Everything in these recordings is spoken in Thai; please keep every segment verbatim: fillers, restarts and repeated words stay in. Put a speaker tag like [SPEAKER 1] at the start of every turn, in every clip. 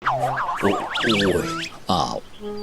[SPEAKER 1] โอ้ยอ้าว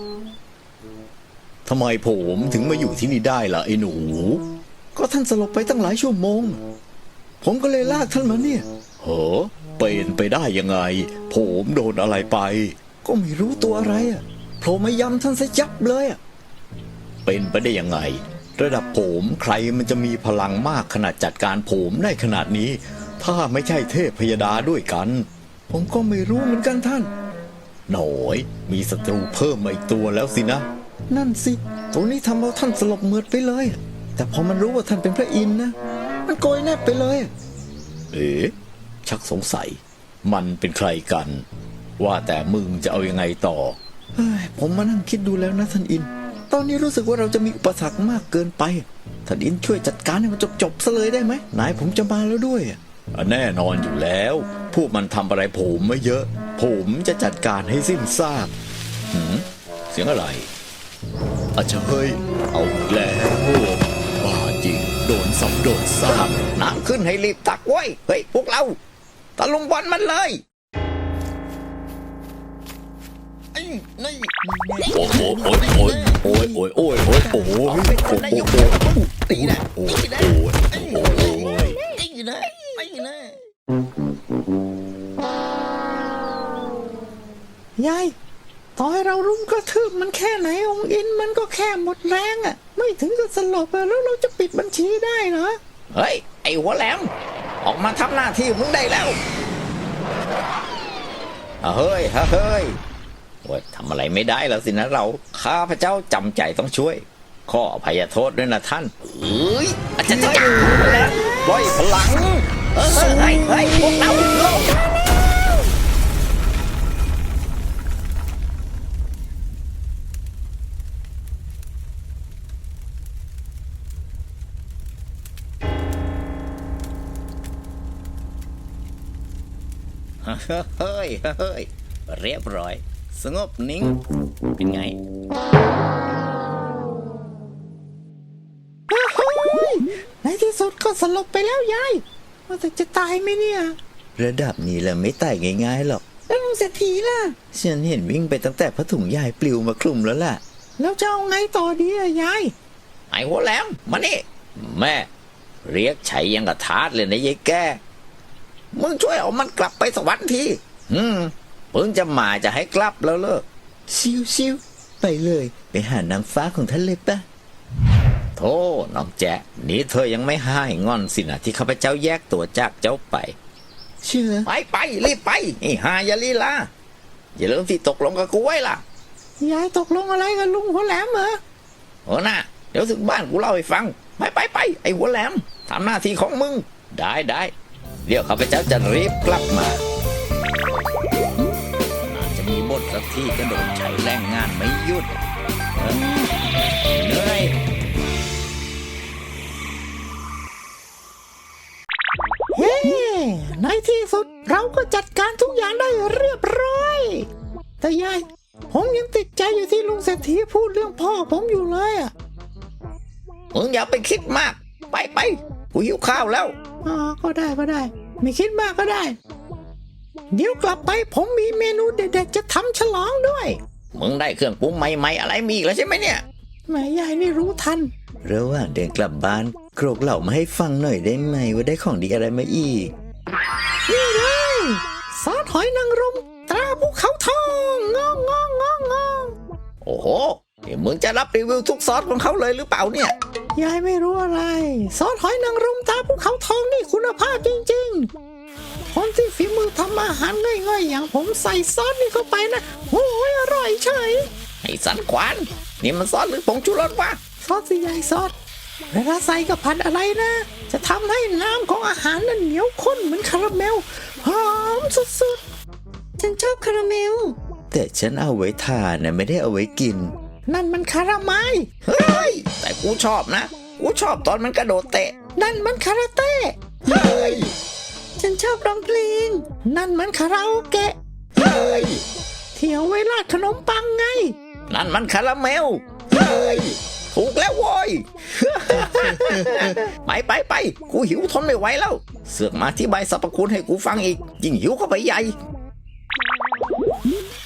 [SPEAKER 1] ทำไมผมถึงมาอยู่ที่นี่ได้ล่ะไอ้หนูก็ท่านสลบไปตั้งหลายชั่วโมงผมก็เลยลากท่านมาเนี่ยเหรอเป็นไปได้ยังไงผมโดนอะไรไปก็ไม่รู้ตัวอะไรอ่ะโผล่มายำท่านซะยับเลยอ่ะเป็นไปได้ยังไงระดับผมใครมันจะมีพลังมากขนาดจัดการผมได้ขนาดนี้ถ้าไม่ใช่เทพพยดาด้วยกันผมก็ไม่รู้เหมือนกันท่านหน่อยมีศัตรูเพิ่มมาอีกตัวแล้วสินะนั่นสิตัวนี้ทำเอาท่านสลบเมือดไปเลยแต่พอมันรู้ว่าท่านเป็นพระอินทร์นะมันโกยแนบไปเลยเอ๊ะชักสงสัยมันเป็นใครกันว่าแต่มึงจะเอายังไงต่อเฮ้ยผมมานั่งคิดดูแล้วนะท่านอินตอนนี้รู้สึกว่าเราจะมีอุปสรรคมากเกินไปท่านอินช่วยจัดการให้มันจบๆซะเลยได้ไหมนายผมจะมาแล้วด้วยแน่นอนอยู่แล้วพวกมันทำอะไรผมไม่เยอะผมจะจัดการให้สิ้นซากหืมเสียงอะไรอาจจะเฮ้ยเอาอีกแล้วบ้าจริงโดนซ้ำโดนซากน้ำขึ้นให้รีบตักไว้เฮ้ยพวกเราตะลุมบอลมันเลยไอ้นี่โอ้โหโอ้ยโอ้ยโอ้ยโอ้ยโอ้ยโอ้ยโอ้ยโอ้ยโอ้ยโอ้ยตีนะโอ้ยโอ้ยโอ้ยตีนะตีนะยายต่อให้เรารุมกระทืบมันแค่ไหนองค์อินมันก็แค่หมดแรงอ่ะไม่ถึงกับสลบแล้วเราจะปิดบัญชีได้เหรอเฮ้ยไอ้หัวแหลมออกมาทำหน้าที่มึงได้แล้วเฮ้ยเฮ้ยโอ้ยทำอะไรไม่ได้แล้วสินะเราข้าพเจ้าจำใจต้องช่วยขออภัยโทษด้วยนะท่านเฮ้ยอาจารย์จะแล้วปล่อยพลังเฮ้ยเฮ้ยเฮ้ยพวกเราลงเฮ้ยเฮ้ยเรียบร้อยสงบนิ่งเป็นไงในที่สุดก็สลบไปแล้วยายว่าแต่จะตายไหมเนี่ยระดับนี้แหละไม่ตายง่ายๆหรอกแล้วลุงเศรษฐีล่ะฉันเห็นวิ่งไปตั้งแต่ผ้าถุงยายปลิวมาคลุมแล้วล่ะแล้วจะเอาไงต่อดีอะยายไอ้หัวแหลมมานี่แม่เรียกไฉยังกระทาดเลยนะยายแกมึงช่วยเอามันกลับไปสวรรค์ทีอืมมึงจะมาจะให้กลับแล้วเลิกชิวชิวไปเลยไปหานางฟ้าของท่านเลยปะโธ่น้องแจ๊นี่เธอยังไม่หายงอนสินะที่ข้าพเจ้าแยกตัวจากเจ้าไปเชื่อไปไปรีบไปไอ้หายาลีลาอย่าลืมที่ตกลงกับกูไว้ล่ะยายตกลงอะไรกับลุงหัวแหลมเหรอโอ้น่ะเดี๋ยวถึงบ้านกูเล่าให้ฟังไปไปไปไอ้หัวแหลมทำหน้าที่ของมึงได้ได้เดี๋ยวข้าพเจ้าจะรีบกลับมาน่าจะมีบทสักที่กระโดดใช้แรงงานไม่หยุดเหนื่อยเฮ้ในที่สุดเราก็จัดการทุกอย่างได้เรียบร้อยแต่ยายผมยังติดใจอยู่ที่ลุงเศรษฐีพูดเรื่องพ่อผมอยู่เลยอ่ะมึงอย่าไปคิดมากไปไปกูหิวข้าวแล้วอ๋อก็ได้ก็ได้ไม่คิดมากก็ได้เดี๋ยวกลับไปผมมีเมนูเด็ดๆจะทำฉลองด้วยมึงได้เครื่องปรุงใหม่ๆอะไรมีอีกแล้วใช่ไหมเนี่ยแม่ยายนี่รู้ทันระหว่างเดินกลับบ้านโกรกเหล่ามาให้ฟังหน่อยได้ไหมว่าได้ของดีอะไรมาอีกนี่เลยซอสหอยนางรมตราภูเขาทองงองงองงองงองโอ้โหมึงจะรับรีวิวทุกซอสของเขาเลยหรือเปล่าเนี่ยยายไม่รู้อะไรซอสหอยนางรมตาภูเขาทองนี่คุณภาพจริงๆคนที่ฝีมือทำอาหารง่ายๆอย่างผมใส่ซอสนี่เข้าไปนะโอ้ยอร่อยเฉยไอ้สันขวานนี่มันซอสหรือผงชูรสวะซอสสิยายซอสเวลาใส่กับผัดอะไรนะจะทำให้น้ำของอาหารนั้นเหนียวข้นเหมือนคาราเมลหอมสุดๆฉันชอบคาราเมลแต่ฉันเอาไว้ทานนะไม่ได้เอาไว้กินนั่นมันคาราไมล์เฮ้ยแต่กูชอบนะกูชอบตอนมันกระโดดเตะนั่นมันคาราเต้เฮ้ยฉันชอบร้องเพลงนั่นมันคาราโอเกะเฮ้ยเที่ยวไว้ราดขนมปังไงนั่นมันคาราเมลเฮ้ยถูกแล้วโว้ย ไปไปไปกูหิวทนไม่ไหวแล้วเสือกมาอธิบายสรรพคุณให้กูฟังอีกยิ่งหิวเข้าไปใหญ่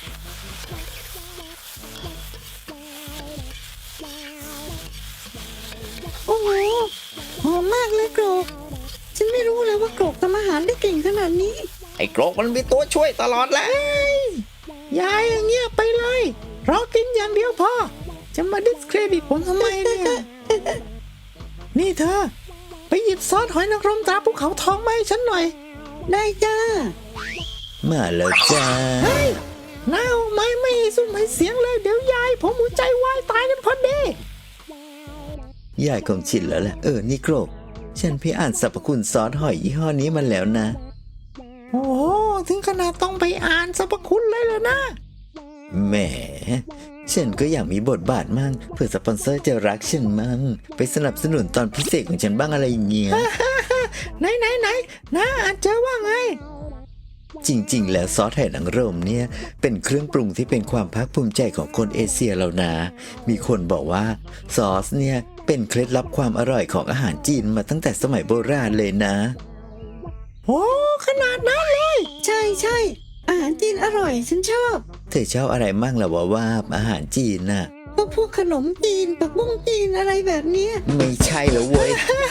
[SPEAKER 2] โอ้โหหอมมากเลยโกรกฉันไม่รู้เลยว่าโกรกทำอาหารได้เก่งขนาดนี้
[SPEAKER 3] ไอ้โกรกมันมีตัวช่วยตลอดแหละ
[SPEAKER 1] ยายอย่างเงี้ยไปเลยรอกินอย่างเดียวพอจะมาดิสเครดิตผมทำไมเนี่ย นี่เธอ ไปหยิบซอสหอยนางรมตราภูเขาทองมาให้ฉันหน่อย
[SPEAKER 2] ได้จ้า
[SPEAKER 3] มาแล้วจ้า
[SPEAKER 1] เฮ้ยน้าเอาไม้ไม่ให้ซุ่มให้เสียงเลยเดี๋ยวยายผมหัวใจวายตายกันพอดี
[SPEAKER 3] ยายคงชินแล้วแหละเออนี่โกรกฉันพี่อ่านสรรพคุณซอสหอยยี่ห้อนี้มาแล้วนะ
[SPEAKER 1] โอ้โหถึงขนาดต้องไปอ่านสรรพคุณเลยเหรอนะ
[SPEAKER 3] แหมฉันก็อยากมีบทบาทมั่งเพื่อสปอนเซอร์จะรักฉันมั่งไปสนับสนุนตอนพิเศษของฉันบ้างอะไรอย่างเงี้ย
[SPEAKER 1] ไหนไหนไหนน้าอ่านเจอว่าไง
[SPEAKER 3] จริงๆ แล้วซอสไหหนังรมเนี่ยเป็นเครื่องปรุงที่เป็นความภาคภูมิใจของคนเอเชียเรานะ มีคนบอกว่าซอสเนี่ยเป็นเคล็ดลับความอร่อยของอาหารจีนมาตั้งแต่สมัยโบราณเลยนะ
[SPEAKER 1] โอ้ขนาดนั้นเลย
[SPEAKER 2] ใช่ใช่อาหารจีนอร่อยฉันชอบ
[SPEAKER 3] เธอชอบอะไรมั่งล่ะวะว่าอาหารจีนน่ะ
[SPEAKER 2] พวกพวกขนมจีนปักบุ้งจีนอะไรแบบเนี้ย
[SPEAKER 3] ไม่ใช่แล้วเว้ย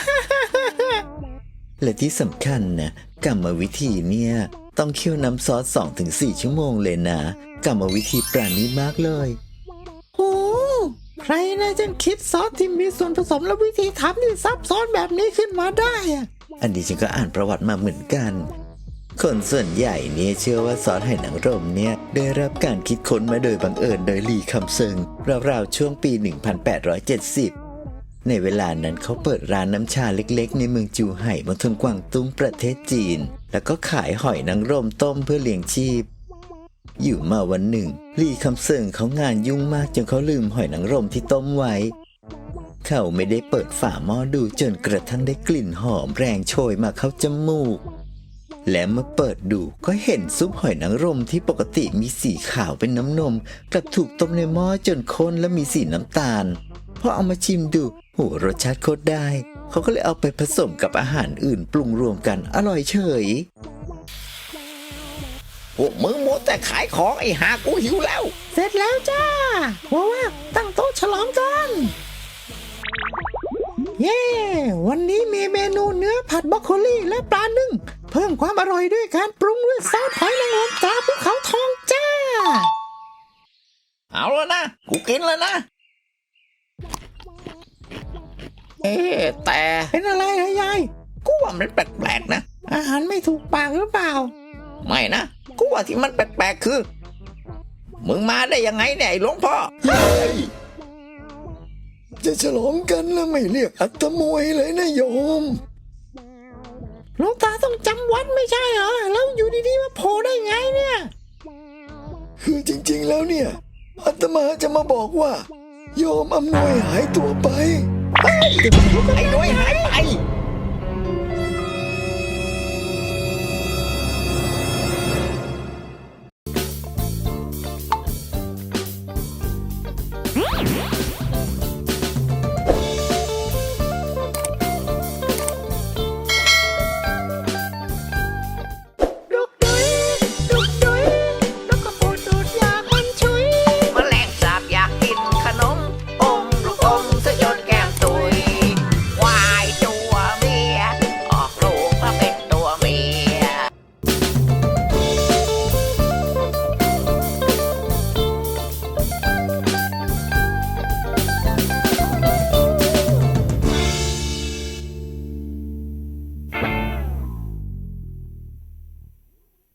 [SPEAKER 3] และที่สำคัญนะกรรมวิธีเนี่ยต้องเคี่ยวน้ำซอส สองถึงสี่ ชั่วโมงเลยนะกรรมวิธีปราณีตมากเลย
[SPEAKER 1] โอ้ใครนะจะคิดซอสที่มีส่วนผสมและวิธีทำที่ซับซ้อนแบบนี้ขึ้นมาได้อะ
[SPEAKER 3] อันนี้ฉันก็อ่านประวัติมาเหมือนกัน คนส่วนใหญ่เนี่ยเชื่อว่าซอสไหหนังรมเนี่ยได้รับการคิดค้นมาโดยบังเอิญโดยหลี่คำเซิงราวๆช่วงปี หนึ่งพันแปดร้อยเจ็ดสิบ ในเวลานั้นเขาเปิดร้านน้ำชาเล็กๆในเมืองจูไห่มณฑลกวางตุ้งประเทศจีน แล้วก็ขายหอยนางรมต้มเพื่อเลี้ยงชีพ อยู่มาวันหนึ่งหลี่คำเซิงเขางานยุ่งมากจนเขาลืมหอยนางรมที่ต้มไว้ เขาไม่ได้เปิดฝาหม้อดูจนกระทั่งได้กลิ่นหอมแรงโชยมาเข้าจมูก และเมื่อเปิดดูก็เห็นซุปหอยนางรมที่ปกติมีสีขาวเป็นน้ำนมกลับถูกต้มในหม้อจนข้นและมีสีน้ำตาลพอเอามาชิมดูโหรสชาติโคตรได้ เขาก็เลยเอาไปผสมกับอาหารอื่นปรุงรวมกันอร่อยเฉย
[SPEAKER 4] พวกมึงมัวแต่ขายของไอ้หากูหิวแล้ว
[SPEAKER 1] เสร็จแล้วจ้าว่าว่าตั้งโต๊ะฉลองกัน เย้ วันนี้มีเมนูเนื้อผัดบรอกโคลีและปลานึ่งเพิ่มความอร่อยด้วยการปรุงด้วยซอสหอยนางรมตราภูเขาทองจ้า
[SPEAKER 4] เอาแล้วนะ กูกินแล้วนะ เอ๊ะแต่
[SPEAKER 1] เป็นอะไรเหรอยาย
[SPEAKER 4] กูว่ามันแปลกๆนะ
[SPEAKER 1] อาหารไม่ถูกปากหรือเปล่า
[SPEAKER 4] ไม่นะ กูว่าที่มันแปลกๆคือ มึงมาได้ยังไงเนี่ยไอ้หลวงพ่อ
[SPEAKER 3] จะฉลองกันแล้วไม่เรียกอัตมวยเลยนะโยม
[SPEAKER 1] หลวงตาต้องจำวัดไม่ใช่เหรอ แล้วอยู่ดีๆมาโผล่ได้ไงเนี่ย
[SPEAKER 3] คือจริงๆแล้วเนี่ยอาตมาจะมาบอกว่า โยมอำนวยหายตัวไป
[SPEAKER 4] ไอ้ด้วยหายไป